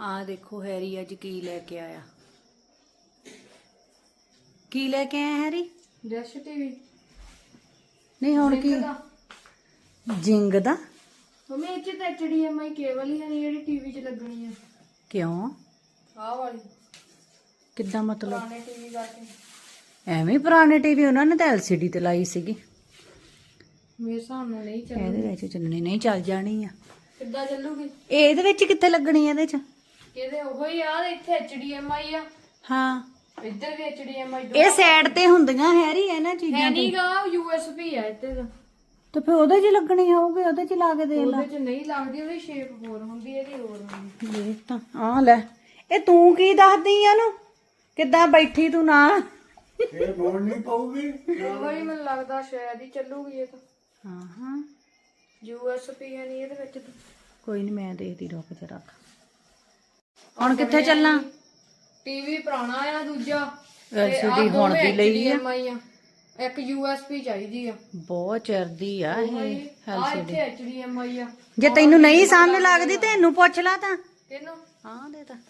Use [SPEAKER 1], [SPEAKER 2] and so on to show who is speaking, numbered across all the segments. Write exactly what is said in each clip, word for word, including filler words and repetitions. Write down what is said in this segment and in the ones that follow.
[SPEAKER 1] ਆ ਦੇਖੋ ਹੈਰੀ ਅੱਜ ਕੀ ਲੈ ਕੇ ਆਇਆ। ਕੀ ਲੈ ਕੇ ਆਇਆ ਹੈਰੀ?
[SPEAKER 2] ਡਿਸ਼ ਟੀਵੀ
[SPEAKER 1] ਨਹੀਂ ਹੁਣ ਕੀ ਜਿੰਗ ਦਾ?
[SPEAKER 2] ਮੰਮੀ ਇਹ ਚ ਤਾਂ H D M I cable ਹੀ ਹੈ ਨਹੀਂ ਜਿਹੜੀ ਟੀਵੀ 'ਚ ਲੱਗਣੀ ਆ।
[SPEAKER 1] ਕਿਉਂ?
[SPEAKER 2] ਆਹ ਵਾਲੀ
[SPEAKER 1] ਕਿੱਦਾਂ ਮਤਲਬ?
[SPEAKER 2] ਪੁਰਾਣੇ ਟੀਵੀ ਕਰਕੇ।
[SPEAKER 1] ਐਵੇਂ ਪੁਰਾਣੇ ਟੀਵੀ ਉਹਨਾਂ ਨੇ ਤਾਂ ਐਲ ਸੀ ਡੀ ਤੇ ਲਾਈ ਸੀਗੀ।
[SPEAKER 2] ਮੇਰੇ ਹਿਸਾਬ ਨਾਲ ਨਹੀਂ ਚੱਲਣੀ।
[SPEAKER 1] ਇਹਦੇ ਵਿੱਚ ਚੱਲਣੀ ਨਹੀਂ, ਚੱਲ ਜਾਣੀ ਆ।
[SPEAKER 2] ਕਿੱਦਾਂ ਚੱਲੂਗੀ?
[SPEAKER 1] ਇਹਦੇ ਵਿੱਚ ਕਿੱਥੇ ਲੱਗਣੀ ਇਹਦੇ ਚ?
[SPEAKER 2] ਕਿਹਦੇ ਉਹ ਹੀ ਆ, ਇੱਥੇ ਐਚ ਡੀ ਐਮ ਆਈ ਆ,
[SPEAKER 1] ਹਾਂ
[SPEAKER 2] ਇੱਧਰ ਵੀ ਐਚ ਡੀ ਐਮ ਆਈ।
[SPEAKER 1] ਇਹ ਸਾਈਡ ਤੇ ਹੁੰਦੀਆਂ ਹੈਰੀ ਇਹਨਾਂ ਚੀਜ਼ਾਂ
[SPEAKER 2] ਹੈ
[SPEAKER 1] ਤੇ।
[SPEAKER 2] ਨਹੀਂਗਾ, ਯੂ ਐਸ ਬੀ ਆ ਇੱਥੇ ਤਾਂ।
[SPEAKER 1] ਤੇ ਫਿਰ ਉਹਦੇ 'ਚ ਲੱਗਣੀ ਹੋਊਗੀ, ਉਹਦੇ 'ਚ ਲਾ ਕੇ ਦੇਖ ਲਾ।
[SPEAKER 2] ਉਹਦੇ 'ਚ ਨਹੀਂ ਲੱਗਦੀ, ਉਹਦੀ ਸ਼ੇਪ ਹੋਰ ਹੁੰਦੀ, ਇਹਦੀ ਹੋਰ ਹੁੰਦੀ।
[SPEAKER 1] ਦੇਖ ਤਾਂ ਆ ਲੈ, ਇਹ ਤੂੰ ਕੀ ਦੱਸਦੀ ਆ ਨੂੰ? ਕਿੱਦਾਂ ਬੈਠੀ ਤੂੰ ਨਾ?
[SPEAKER 3] ਇਹ ਮੋੜ ਨਹੀਂ ਪਾਉਗੀ।
[SPEAKER 2] ਉਹ ਹੀ ਮੈਨੂੰ ਲੱਗਦਾ ਸ਼ਾਇਦ ਹੀ ਚੱਲੂਗੀ ਇਹ ਤਾਂ।
[SPEAKER 1] ਹਾਂ ਹਾਂ
[SPEAKER 2] ਯੂ ਐਸ ਬੀ ਹੈ ਨਹੀਂ ਇਹਦੇ ਵਿੱਚ ਤਾਂ।
[SPEAKER 1] ਕੋਈ ਨਹੀਂ, ਮੈਂ ਦੇਖਦੀ, ਰੁਕ ਤੇ ਰੱਖ। ਹੁਣ ਕਿੱਥੇ ਚੱਲਾਂ?
[SPEAKER 2] ਟੀਵੀ ਪੁਰਾਣਾ ਆ ਦੂਜਾ,
[SPEAKER 1] ਐਲ ਸੀ ਡੀ ਹੁਣ ਦੀ ਲਈ ਆ।
[SPEAKER 2] ਆ ਇੱਕ ਯੂ ਐਸ ਬੀ ਚਾਹੀਦੀ ਆ।
[SPEAKER 1] ਬਹੁਤ ਚਿਰਦੀ ਆ ਇਹ
[SPEAKER 2] ਆ
[SPEAKER 1] ਐਲ ਸੀ
[SPEAKER 2] ਇੱਥੇ
[SPEAKER 1] D.
[SPEAKER 2] H D M I ਆ।
[SPEAKER 1] ਜੇ ਤੈਨੂੰ ਨਹੀਂ ਸਮਝ ਲੱਗਦੀ ਤੇ ਇਹਨੂੰ ਪੁੱਛ ਲਾ ਤਾਂ।
[SPEAKER 2] ਕਿਹਨੂੰ?
[SPEAKER 1] ਹਾਂ ਦੇ ਤਾਂ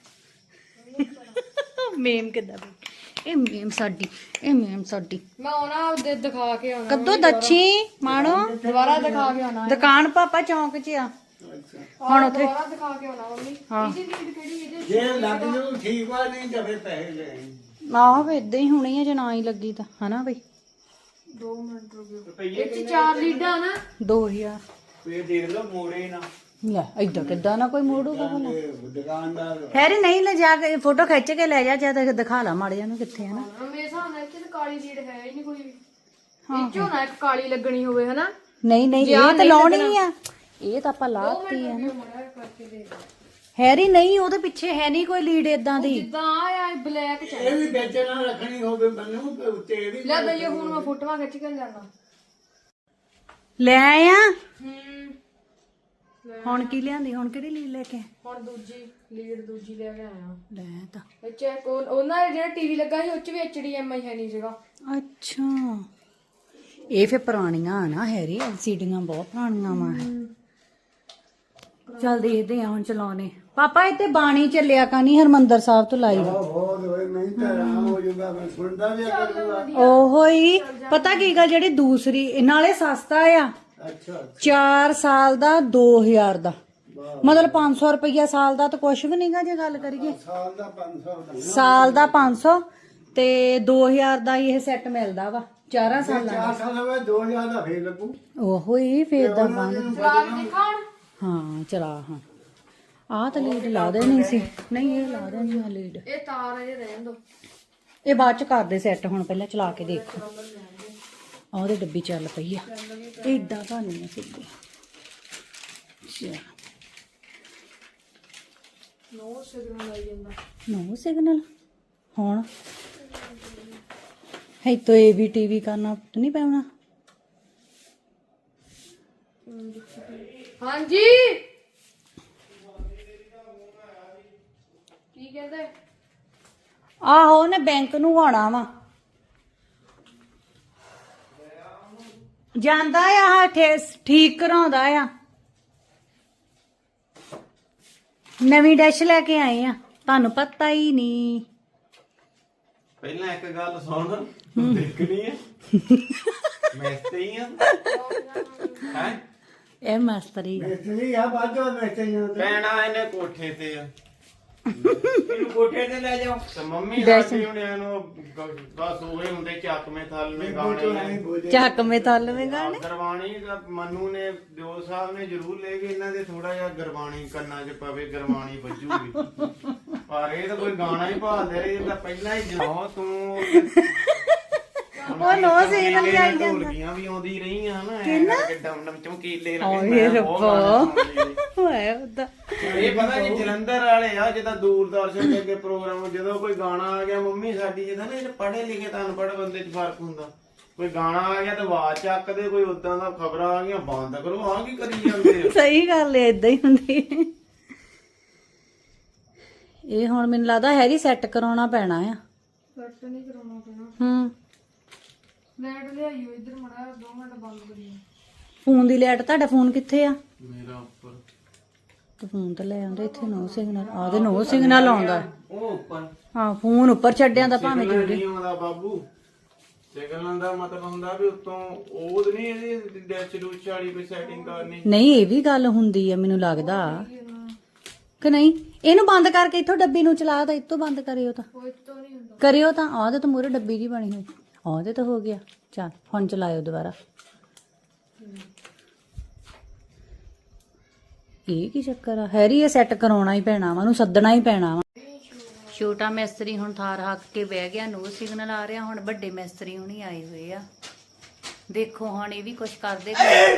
[SPEAKER 1] ਮੇਮ ਕਿੱਦਾਂ ਬੈਠੀ? ਇਹ ਮੇਮ ਸਾਡੀ, ਇਹ ਮੇਮ ਸਾਡੀ।
[SPEAKER 2] ਮੈਂ ਆਉਣਾ ਉਹਦੇ ਦਿਖਾ ਕੇ ਆਉਣਾ।
[SPEAKER 1] ਕਦੋਂ ਦੱਛੀ ਮਾਣੋ?
[SPEAKER 2] ਦੁਬਾਰਾ ਦਿਖਾ ਕੇ ਆਉਣਾ।
[SPEAKER 1] ਦੁਕਾਨ ਪਾਪਾ ਚੌਂਕ 'ਚ ਆ।
[SPEAKER 2] ਹੁਣ ਉੱਥੇ ਦੁਬਾਰਾ ਦਿਖਾ ਕੇ ਆਉਣਾ ਮੰਮੀ। ਇਹਦੀ ਲੀਡ ਕਿਹੜੀ? ਇਹਦੇ
[SPEAKER 3] ਜੇ ਲੱਗ ਜੂ ਠੀਕ ਵਾ, ਨਹੀਂ ਤਾਂ ਫਿਰ ਪੈਸੇ ਲੈ
[SPEAKER 1] ਆਹੋ ਇਦਾਂ ਹੀ ਹੋਣੀ ਆ ਜੇ ਨਾ ਹੀ ਲੱਗੀ ਤਾਂ, ਹਨਾ ਬਈ?
[SPEAKER 2] ਦੋ ਮਿੰਟ ਰੁਕੋ। ਇਹ 'ਚ ਚਾਰ ਲੀਡਾਂ ਨਾ।
[SPEAKER 1] ਦੋ ਹਜ਼ਾਰ
[SPEAKER 3] ਫੇਰ ਦੇਖ ਲਓ ਮੋੜੇ ਨਾ।
[SPEAKER 1] ਲੈ ਏਦਾਂ ਕਿੱਦਾਂ ਨਾ ਕੋਈ ਮੋੜੂਗਾ ਭਲਾ?
[SPEAKER 3] ਇਹ ਦੁਕਾਨਦਾਰ
[SPEAKER 1] ਹੈਰੀ ਨਹੀਂ ਲੈ ਜਾ ਕੇ ਫੋਟੋ ਖਿੱਚ ਕੇ ਲੈ ਜਾ, ਜਾਂ ਦਿਖਾ ਲਾ ਮਾੜੇ ਨੂੰ ਕਿੱਥੇ ਹੈ ਨਾ।
[SPEAKER 2] ਮੇਰੇ ਹਿਸਾਬ ਨਾਲ ਇੱਥੇ ਤਾਂ ਕਾਲੀ ਲੀਡ ਹੈ ਹੀ ਨਹੀਂ ਕੋਈ ਵੀ। ਵਿੱਚੋਂ ਨਾ ਇੱਕ ਕਾਲੀ ਲੱਗਣੀ ਹੋਵੇ, ਹਨਾ?
[SPEAKER 1] ਨਹੀਂ ਨਹੀਂ, ਇਹ ਤਾਂ ਲਾਉਣੀ ਆ, ਇਹ ਤਾਂ ਆਪਾਂ ਲਾਤੀ ਆ ਨਾ।
[SPEAKER 2] ਮੜਾ ਕਰਕੇ ਦੇ ਦੇ।
[SPEAKER 1] ਹੈਰੀ ਨਹੀਂ, ਉਹਦੇ ਪਿੱਛੇ ਹੈ ਨਹੀਂ ਕੋਈ ਲੀਡ ਏਦਾਂ ਦੀ।
[SPEAKER 2] ਜਿੱਦਾਂ ਆ ਆ ਬਲੈਕ ਚ
[SPEAKER 3] ਇਹ ਵੀ ਵਿੱਚ ਨਾ ਰੱਖਣੀ ਹੋਵੇ ਮੈਨੂੰ ਤੇ ਉੱਤੇ ਇਹ ਵੀ
[SPEAKER 2] ਲੈ ਦਈਏ। ਹੁਣ ਮੈਂ ਫੋਟੋਆਂ ਖਿੱਚ ਕੇ ਲਿਆਣਾ।
[SPEAKER 1] ਲੈ ਆਇਆ
[SPEAKER 2] ਹੂੰ
[SPEAKER 1] ਹੁਣ ਕੀ ਲਿਆਂਦੀ? ਹੁਣ ਕਿਹੜੀ ਲੀਡ ਲੈ ਕੇ?
[SPEAKER 2] ਹੁਣ ਦੂਜੀ ਲੀਡ ਦੂਜੀ ਲੈ ਕੇ ਆਇਆ।
[SPEAKER 1] ਲੈ ਤਾਂ
[SPEAKER 2] ਇਹ ਚੈੱਕ ਉਹਨਾਂ ਦਾ ਜਿਹੜਾ ਟੀਵੀ ਲੱਗਾ ਸੀ ਉਹ ਚ ਵੀ ਐਚ ਡੀ ਐਮ ਆਈ ਹੈ ਨਹੀਂ ਸੀਗਾ।
[SPEAKER 1] ਅੱਛਾ, ਇਹ ਫੇ ਪੁਰਾਣੀਆਂ ਆ ਨਾ ਹੈਰੀ, ਐਲ ਸੀ ਡੀਆਂ ਬਹੁਤ ਪੁਰਾਣੀਆਂ ਵਾ। ਚੱਲ ਦੇਖਦੇ ਆ ਹੁਣ ਚਲਾਉਣੇ। ਪਾਪਾ ਇੱਥੇ ਬਾਣੀ ਚੱਲਿਆ ਕਾ ਨਹੀਂ ਹਰਮੰਦਰ ਸਾਹਿਬ ਤੋਂ ਲਾਈ ਦਾ?
[SPEAKER 3] ਬਹੁਤ ਹੋਏ, ਨਹੀਂ ਤਾਂ ਆਰਾਮ ਹੋ ਜਾਊਗਾ। ਮੈਂ ਸੁਣਦਾ ਵੀ ਕਰੂੰਗਾ।
[SPEAKER 1] ਉਹੋ ਹੀ ਪਤਾ ਕੀ ਗੱਲ, ਜਿਹੜੀ ਦੂਸਰੀ ਨਾਲੇ ਸਸਤਾ ਆ।
[SPEAKER 3] ਅੱਛਾ
[SPEAKER 1] ਚਾਰ ਸਾਲ ਦਾ ਦੋ ਹਜ਼ਾਰ ਦਾ, ਮਤਲਬ ਪੰਜ ਸੌ ਰੁਪਈਆ ਸਾਲ ਦਾ ਤਾਂ ਕੁਛ ਵੀ ਨਹੀਂਗਾ ਜੇ ਗੱਲ ਕਰੀਏ।
[SPEAKER 3] ਸਾਲ ਦਾ ਪੰਜ ਸੌ ਦਾ
[SPEAKER 1] ਸਾਲ ਦਾ ਪੰਜ ਸੌ ਤੇ ਦੋ ਹਜ਼ਾਰ ਦਾ ਇਹ ਸੈੱਟ ਮਿਲਦਾ ਵਾ ਚਾਰਾਂ ਸਾਲਾਂ ਦਾ।
[SPEAKER 3] ਚਾਰ ਸਾਲ ਹੋਵੇ ਦੋ ਹਜ਼ਾਰ ਦਾ ਫੇਰ ਲੱਗੂ।
[SPEAKER 1] ਉਹੋ ਹੀ ਫੇਰ ਦਾ ਬੰਦ।
[SPEAKER 2] ਚਲਾ ਕੇ ਦਿਖਾਉਣ।
[SPEAKER 1] ਹਾਂ ਚਲਾ। ਹਾਂ ਆਹ ਤਾਂ ਲੀਡ ਲਾ ਦੇਣੀ ਸੀ। ਨਹੀਂ ਇਹ ਲਾ ਦੇਣੀ ਆ ਲੀਡ।
[SPEAKER 2] ਇਹ ਤਾਰ ਅਜੇ ਰਹਿਣ ਦੋ।
[SPEAKER 1] ਇਹ ਬਾਅਦ ਚ ਕਰਦੇ ਸੈੱਟ, ਹੁਣ ਪਹਿਲਾਂ ਚਲਾ ਕੇ ਦੇਖੋ। ਆਹ ਉਹਦੇ ਡੱਬੀ ਚੱਲ ਪਈ ਆ। ਏਦਾਂ ਬਣਨੀ ਆ ਸਿੱਧੀ। ਅੱਛਾ
[SPEAKER 2] ਨੋ ਸਿਗਨਲ ਆਈ ਜਾਂਦਾ।
[SPEAKER 1] ਨੋ ਸਿਗਨਲ ਹੁਣ ਹੈ ਤੋ ਇਹ ਵੀ ਟੀਵੀ ਕਰਨਾ ਨਹੀਂ ਪੈਣਾ।
[SPEAKER 2] ਹਾਂਜੀ ਕੀ ਕਹਿੰਦੇ?
[SPEAKER 1] ਆਹੋ ਉਹਨੇ ਬੈਂਕ ਨੂੰ ਆਉਣਾ ਵਾ। ਜਾਂਦਾ ਆ ਠੀਕ ਕਰਾਉਂਦਾ ਆ। ਨਵੀਂ ਡੈਸ਼ ਲੈ ਕੇ ਆਏ ਆ, ਤੁਹਾਨੂੰ ਪਤਾ ਹੀ ਨਹੀਂ।
[SPEAKER 4] ਪਹਿਲਾਂ ਇੱਕ ਗੱਲ ਸੁਣ, ਦੇਖਣੀ ਹੈ ਮੈਂ ਤੇ ਹੀ ਆ ਹੈ।
[SPEAKER 1] ਇਹ ਮਸਤਰੀ ਆ।
[SPEAKER 3] ਮਿਸਤਰੀ ਆ ਬਾਜੋ ਮਿਸਤਰੀਆਂ ਤੇ
[SPEAKER 4] ਪੈਣਾ ਇਹਨੇ ਕੋਠੇ ਤੇ ਆ। ਇਹਨੂੰ ਕੋਠੇ ਤੇ ਲੈ ਜਾਓ ਤੇ ਮੰਮੀ ਸਾਡੀ ਹੁਣ ਇਹਨੂੰ ਬਸ ਉਹੇ ਹੁੰਦੇ ਚੱਕਵੇਂ ਥਲਵੇਂ ਗਾਣੇ
[SPEAKER 1] ਚੱਕ ਮੇ ਤਲਵੇਂ ਗਾਣੇ।
[SPEAKER 4] ਗਰਵਾਣੀ ਦਾ ਮੰਨੂ ਨੇ ਦਿਓ ਸਾਹਿਬ ਨੇ ਜ਼ਰੂਰ ਲੈ ਕੇ ਇਹਨਾਂ ਦੇ ਥੋੜਾ ਜਿਹਾ ਗਰਵਾਣੀ ਕੰਨਾਂ 'ਚ ਪਵੇ, ਗਰਵਾਣੀ ਵੱਜੂਗੀ। ਪਰ ਇਹ ਤਾਂ ਕੋਈ ਗਾਣਾ ਹੀ ਭਾਲਦੇ ਰਹੇ, ਇਹ ਤਾਂ ਪਹਿਲਾਂ ਹੀ ਜਾਓ ਤੂੰ।
[SPEAKER 1] ਉਹ ਨੋ ਸਿਗਨਲ ਵੀ ਆਈ ਜਾਂਦਾ।
[SPEAKER 4] ਢੋਲਕੀਆਂ ਵੀ ਆਉਂਦੀ ਰਹੀਆਂ ਹਨਾ, ਐ ਕਰਕੇ ਡਮ ਡਮ ਚਮਕੀਲੇ ਲੱਗੇ।
[SPEAKER 1] ਓਏ
[SPEAKER 4] ਮੈਂ
[SPEAKER 1] ਰੱਬਾ
[SPEAKER 4] ਬਹੁਤ ਗਾਣਾ ਸੁਣਦੀ ਸੀ।
[SPEAKER 1] ਹੋਏ ਉਹਦਾ
[SPEAKER 4] ਇਹ ਪਤਾ ਕਿ ਜਲੰਧਰ ਵਾਲੇ ਆ ਜਿੱਦਾਂ ਦੂਰਦਰਸ਼ਨ ਦੇ ਅੱਗੇ ਪ੍ਰੋਗਰਾਮ, ਜਦੋਂ ਕੋਈ ਗਾਣਾ ਆ ਗਿਆ ਮੰਮੀ ਸਾਡੀ ਜਿੱਦਾਂ ਨਾ, ਇਹ ਪੜ੍ਹੇ ਲਿਖੇ ਤਾਂ ਅਨਪੜ੍ਹ ਬੰਦੇ 'ਚ ਫਰਕ ਹੁੰਦਾ। ਕੋਈ ਗਾਣਾ ਆ ਗਿਆ ਤਾਂ ਆਵਾਜ਼ ਚੱਕਦੇ, ਕੋਈ ਉਦਾਂ ਦਾ ਖਬਰਾਂ ਆ ਗਈਆਂ ਬੰਦ ਕਰੋ, ਆਹ ਕੀ ਕਰੀ ਜਾਂਦੇ ਆ।
[SPEAKER 1] ਸਹੀ ਗੱਲ ਏ, ਏਦਾਂ ਹੀ ਹੁੰਦੀ। ਇਹ ਹੁਣ ਮੈਨੂੰ ਲੱਗਦਾ ਹੈਰੀ ਸੈੱਟ ਕਰਾਉਣਾ ਪੈਣਾ ਆ।
[SPEAKER 2] ਕੱਟ ਨਹੀਂ ਕਰਾਉਣਾ ਪੈਣਾ।
[SPEAKER 1] ਹੂੰ
[SPEAKER 2] ਲੈਟ ਲਿਆਈਓ ਇੱਧਰ ਮੜਾ ਦੋ ਮਿੰਟ ਬੰਦ ਕਰੀਓ।
[SPEAKER 1] ਫੋਨ ਦੀ ਲਾਈਟ, ਤੁਹਾਡਾ ਫੋਨ ਕਿੱਥੇ ਆ?
[SPEAKER 4] ਮੇਰਾ ਉੱਪਰ
[SPEAKER 1] ਤੇ ਫੋਨ ਤੇ ਲੈ ਆਉਂਦੇ ਇੱਥੇ ਨੋ ਸਿਗਨਲ ਆਦੇ ਨੋ ਸਿਗਨਲ ਆਉਂਦਾ
[SPEAKER 4] ਉਹ ਉੱਪਰ
[SPEAKER 1] ਹਾਂ ਫੋਨ ਉੱਪਰ ਛੱਡਿਆਂ ਦਾ ਭਾਵੇਂ
[SPEAKER 4] ਸਿਗਨਲ
[SPEAKER 1] ਜੂਗੇ
[SPEAKER 4] ਨਹੀਂ ਆਉਂਦਾ ਬਾਬੂ। ਸਿਗਨਲ ਦਾ ਮਤਲਬ ਹੁੰਦਾ ਵੀ ਉੱਤੋਂ ਉਹ ਨਹੀਂ ਇਹਦੀ ਡੈਚ ਡੂਚ ਵਾਲੀ ਕੋਈ ਸੈਟਿੰਗ ਕਰਨੀ।
[SPEAKER 1] ਨਹੀਂ ਇਹ ਵੀ ਗੱਲ ਹੁੰਦੀ ਆ ਮੈਨੂੰ ਲੱਗਦਾ ਕਿ ਨਹੀਂ। ਇਹਨੂੰ ਬੰਦ ਕਰਕੇ ਇੱਥੋਂ ਡੱਬੀ ਨੂੰ ਚਲਾ ਤਾਂ ਇੱਥੋਂ ਬੰਦ ਕਰਿਓ ਤਾਂ
[SPEAKER 2] ਕੋਈ ਤੋਂ ਨਹੀਂ ਹੁੰਦਾ।
[SPEAKER 1] ਕਰਿਓ ਤਾਂ ਆਹ ਤੇ ਮੂਰੇ ਡੱਬੀ ਜੀ ਬਣੀ ਹੋਈ ਆਹ ਤੇ ਹੋ ਗਿਆ। ਚੱਲ ਹੁਣ ਚਲਾਇਓ ਦੁਬਾਰਾ। ਇਹ ਕੀ ਚੱਕਰ ਆ ਹੈਰੀ ਇਹ ਸੈੱਟ ਕਰਾਉਣਾ ਹੀ ਪੈਣਾ ਵਾ ਉਹਨੂੰ ਸੱਦਣਾ ਹੀ ਪੈਣਾ ਵਾ। ਛੋਟਾ ਮਿਸਤਰੀ ਹੁਣ ਥਾਰ ਹੱਕ ਕੇ ਬਹਿ ਗਿਆ ਨੋ ਸਿਗਨਲ ਆ ਰਿਹਾ ਹੁਣ ਵੱਡੇ ਮਿਸਤਰੀ ਹੁਣੀ ਆਏ ਹੋਏ ਆ ਦੇਖੋ ਹੁਣ ਇਹ ਵੀ ਕੁਛ ਕਰਦੇ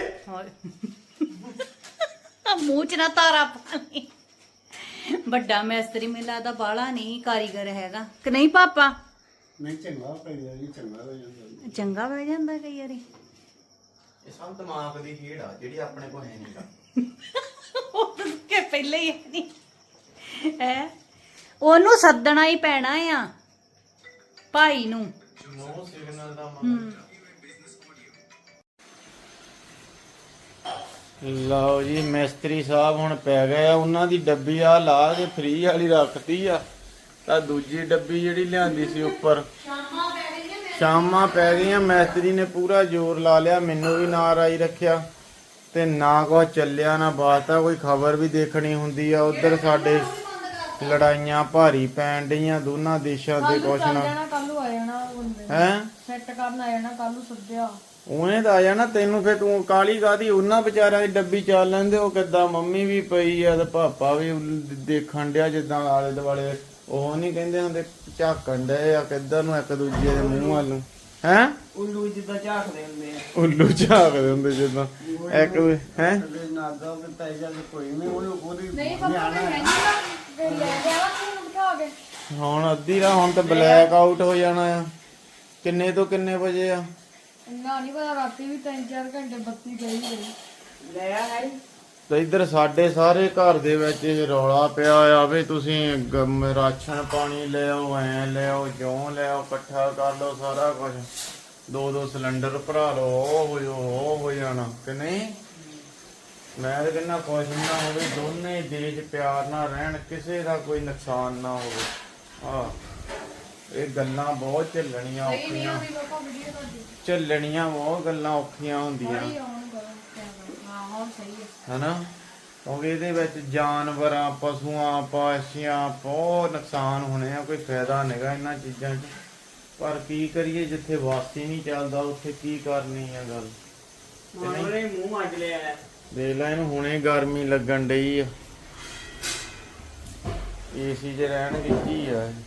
[SPEAKER 1] ਮੂੰਹ ਚ ਨਾ ਤਾਰਾ ਪਾ ਲਈ। ਵੱਡਾ ਮਿਸਤਰੀ ਮੈਨੂੰ ਲੱਗਦਾ ਬਾਹਲਾ ਨਹੀਂ ਕਾਰੀਗਰ ਹੈਗਾ ਕਿ ਨਹੀਂ ਪਾਪਾ।
[SPEAKER 3] ਨਹੀਂ ਚੰਗਾ ਪਈਆ ਜੀ ਚੰਗਾ ਹੋ ਜਾਂਦਾ
[SPEAKER 1] ਚੰਗਾ ਬਹਿ ਜਾਂਦਾ ਕਈ ਵਾਰੀ।
[SPEAKER 4] ਇਹ ਸਭ ਦਿਮਾਗ ਦੀ ਖੇਡ ਆ ਜਿਹੜੀ ਆਪਣੇ ਕੋਲ ਹੈ ਨਹੀਂ।
[SPEAKER 1] ਉਹ ਕਿ ਪਹਿਲੇ ਹੀ ਨਹੀਂ ਹੈ ਉਹਨੂੰ ਸੱਦਣਾ ਹੀ ਪੈਣਾ ਆ ਭਾਈ ਨੂੰ।
[SPEAKER 4] ਨੋ ਸਿਗਨਲ ਦਾ ਮਤਲਬ ਲਓ ਜੀ ਮਿਸਤਰੀ ਸਾਹਿਬ ਹੁਣ ਪੈ ਗਏ ਆ ਉਹਨਾਂ ਦੀ ਡੱਬੀ ਆ ਲਾ ਕੇ ਫ੍ਰੀ ਵਾਲੀ ਰੱਖਤੀ ਆ ਤਾਂ ਦੂਜੀ ਡੱਬੀ ਜਿਹੜੀ ਲਿਆਂਦੀ ਸੀ ਉੱਪਰ ਸ਼ਾਮਾਂ ਪੈ ਗਈਆਂ। ਮਿਸਤਰੀ ਨੇ ਪੂਰਾ ਜ਼ੋਰ ਲਾ ਲਿਆ ਮੈਨੂੰ ਵੀ ਨਾਰਾਜ਼ ਰੱਖਿਆ ਤੇ ਨਾ ਕੁਛ ਚੱਲਿਆ ਨਾ ਬਾਤਾਂ ਕੋਈ ਖਬਰ ਵੀ ਦੇਖਣੀ ਹੁੰਦੀ ਆ। ਉਧਰ ਸਾਡੇ ਲੜਾਈਆਂ ਭਾਰੀ ਪੈਣ ਡਈਆਂ ਦੋਨਾਂ ਦੇਸ਼ਾਂ ਦੇ ਕੁਛ ਨਾ
[SPEAKER 2] ਕੱਲ ਨੂੰ ਆ ਜਾਣਾ ਬੰਦੇ
[SPEAKER 4] ਹੈ
[SPEAKER 2] ਸੈੱਟ ਕਰਨ ਆ ਜਾਣਾ ਕੱਲ ਨੂੰ ਸੱਦਿਆ।
[SPEAKER 4] ਉਹਨੇ ਤਾਂ ਆ ਜਾਣਾ ਤੈਨੂੰ ਫੇਰ ਤੂੰ ਕਾਲੀ ਕਾਦੀ ਉਹਨਾਂ ਵਿਚਾਰਿਆਂ ਦੀ ਡੱਬੀ ਚੱਲ ਲੈਂਦੇ। ਉਹ ਕਿੱਦਾਂ ਮੰਮੀ ਵੀ ਪਈ ਆ ਤੇ ਪਾਪਾ ਵੀ ਦੇਖਣ ਡਿਆ ਜਿੱਦਾਂ ਆਲੇ ਦੁਆਲੇ ਉਹ ਨਹੀਂ ਕਹਿੰਦੇ ਹੁੰਦੇ ਝਾਕਣ ਡਏ ਆ ਕਿੱਧਰ ਨੂੰ ਇੱਕ ਦੂਜੇ ਦੇ ਮੂੰਹ ਵੱਲ ਨੂੰ ਹੈ
[SPEAKER 5] ਉੱਲੂ ਜਿੱਦਾਂ ਝਾਕਦੇ ਹੁੰਦੇ ਆ।
[SPEAKER 4] ਉੱਲੂ ਝਾਕਦੇ ਹੁੰਦੇ ਜਿੱਦਾਂ ਇੱਕ ਹੈ
[SPEAKER 3] ਨਾਗਾ ਤੇ ਪੈਸਾ ਕੋਈ ਨਹੀਂ ਉਹਨੂੰ ਉਹਦੀ
[SPEAKER 2] ਨਹੀਂ ਪਾਪਾ ਮੈਂ ਕਹਿੰਦੀ ਨਾ ਤੇ ਲੈ ਜਾਵਾ ਤੂੰ ਬਿਠਾ ਕੇ।
[SPEAKER 4] ਹੁਣ ਅੱਧੀ ਰਾ ਹੁਣ ਤਾਂ ਬਲੈਕ ਆਊਟ ਹੋ ਜਾਣਾ ਆ। ਕਿੰਨੇ ਤੋਂ ਕਿੰਨੇ ਵਜੇ ਆ
[SPEAKER 2] ਇੰਨਾ ਨਹੀਂ ਪਤਾ ਰਾਤੀ ਵੀ ਤਿੰਨ ਚਾਰ ਘੰਟੇ ਬੱਤੀ ਗਈ ਗਈ।
[SPEAKER 5] ਲੈ ਆ ਹੈ
[SPEAKER 4] ਤੇ ਇੱਧਰ ਸਾਡੇ ਸਾਰੇ ਘਰ ਦੇ ਵਿੱਚ ਇਹ ਰੌਲਾ ਪਿਆ ਆ ਵੀ ਤੁਸੀਂ ਗਮ- ਰਾਸ਼ਨ ਪਾਣੀ ਲੈ ਆਓ ਐ ਲੈ ਆਓ ਜਿਉਂ ਲੈ ਆਓ ਇਕੱਠਾ ਕਰ ਲਓ ਸਾਰਾ ਕੁਝ ਦੋ ਦੋ ਸਿਲੰਡਰ ਭਰਾ ਲਓ ਉਹ ਹੋ ਜਾਓ ਉਹ ਹੋ ਜਾਣਾ ਕਿ ਨਹੀਂ। ਮੈਂ ਤਾਂ ਕਹਿੰਦਾ ਕੁਛ ਨਾ ਹੋਵੇ ਦੋਨੇ ਦੇਸ਼ ਪਿਆਰ ਨਾਲ ਰਹਿਣ ਕਿਸੇ ਦਾ ਕੋਈ ਨੁਕਸਾਨ ਨਾ ਹੋਵੇ। ਆ ਇਹ ਗੱਲਾਂ ਬਹੁਤ ਝੱਲਣੀਆਂ
[SPEAKER 2] ਨਹੀਂ ਨਹੀਂ
[SPEAKER 4] ਔਖੀਆਂ
[SPEAKER 2] ਆਉਂਦੀ ਪਾਪਾ ਵੀਡੀਓ ਤੁਹਾਡੀ
[SPEAKER 4] ਝੱਲਣੀਆਂ ਬਹੁਤ ਗੱਲਾਂ ਔਖੀਆਂ ਹੁੰਦੀਆਂ
[SPEAKER 2] ਸਹੀ ਆਉਣ ਕਰੋ ਕੈਮਰਾ। ਹਾਂ ਹਾਂ ਸਹੀ ਹੈ।
[SPEAKER 4] ਹਨਾ ਕਿਉਂਕਿ ਇਹਦੇ ਵਿੱਚ ਜਾਨਵਰਾਂ ਪਸ਼ੂਆਂ ਪਾਸ਼ੀਆਂ ਬਹੁਤ ਨੁਕਸਾਨ ਹੋਣੇ ਆ। ਕੋਈ ਫਾਇਦਾ ਨਹੀਂਗਾ ਇਹਨਾਂ ਚੀਜ਼ਾਂ 'ਚ ਪਰ ਕੀ ਕਰੀਏ ਜਿੱਥੇ ਵਾਸੀ ਨਹੀਂ ਚੱਲਦਾ ਉੱਥੇ ਕੀ ਕਰਨੀ ਆ ਗੱਲ।
[SPEAKER 5] ਉਹਨੇ ਮੂੰਹ ਅੱਡ ਲਿਆ ਹੈ।
[SPEAKER 4] ਦੇਖ ਲੈ ਇਹਨੂੰ ਹੁਣੇ ਗਰਮੀ ਲੱਗਣ ਡਈ ਆ ਏਸੀ 'ਚ ਰਹਿਣਗੇ ਕੀ ਆ ਇਹ।